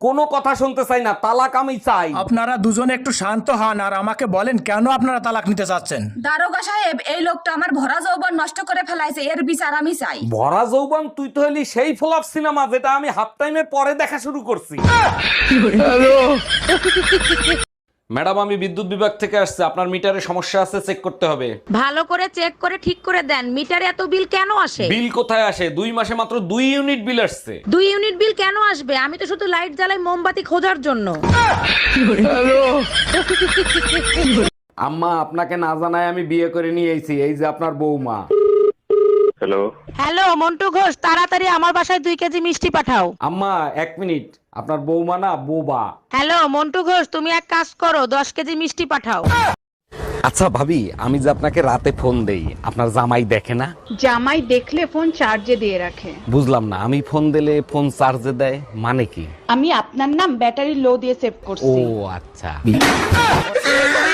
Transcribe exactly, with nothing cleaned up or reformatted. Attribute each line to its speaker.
Speaker 1: কোনো কথা শুনতে চাই না, তালাক আমি চাই।
Speaker 2: আপনারা দুজনে একটু শান্ত হন আর আমাকে বলেন কেন আপনারা তালাক নিতে চাচ্ছেন।
Speaker 3: দারোগা সাহেব, এই লোকটা আমার ভরা যৌবন নষ্ট করে ফেলাইছে, এর বিচার আমি চাই।
Speaker 1: ভরা যৌবন? তুই তো হলি সেই ফ্লপ সিনেমা যেটা আমি হাফ টাইমের পরে দেখা শুরু করছি। ম্যাডাম, আমি বিদ্যুৎ বিভাগ থেকে আসছে, আপনার মিটারে সমস্যা আছে, চেক করতে হবে।
Speaker 4: ভালো করে চেক করে ঠিক করে দেন। মিটারে এত বিল কেন আসে?
Speaker 1: বিল কোথায় আসে? দুই মাসে মাত্র দুই ইউনিট বিল আসছে।
Speaker 4: দুই ইউনিট বিল কেন আসবে? আমি তো শুধু লাইট জ্বালাই মোমবাতি খোঁজার জন্য।
Speaker 1: আম্মা, আপনাকে না জানায় আমি বিয়ে করে নিয়ে এসেছি, এই যে আপনার বৌমা।
Speaker 5: হ্যালো,
Speaker 4: হ্যালো মন্টু ঘোষ, তাড়াতাড়ি আমার বাসায় দুই কেজি মিষ্টি পাঠাও।
Speaker 1: আম্মা এক মিনিট, আপনার বৌমা না বোবা।
Speaker 4: হ্যালো মন্টু ঘোষ, তুমি এক কাজ করো, দশ কেজি মিষ্টি পাঠাও।
Speaker 1: আচ্ছা ভাবি, আমি যে আপনাকে রাতে ফোন দেই, আপনার জামাই দেখে না?
Speaker 6: জামাই দেখলে ফোন চার্জে দিয়ে রাখে।
Speaker 1: বুঝলাম না, আমি ফোন দিলে ফোন চার্জে দেয় মানে কি?
Speaker 6: আমি আপনার নাম ব্যাটারি লো দিয়ে সেভ
Speaker 1: ও
Speaker 6: করছি।
Speaker 1: আচ্ছা।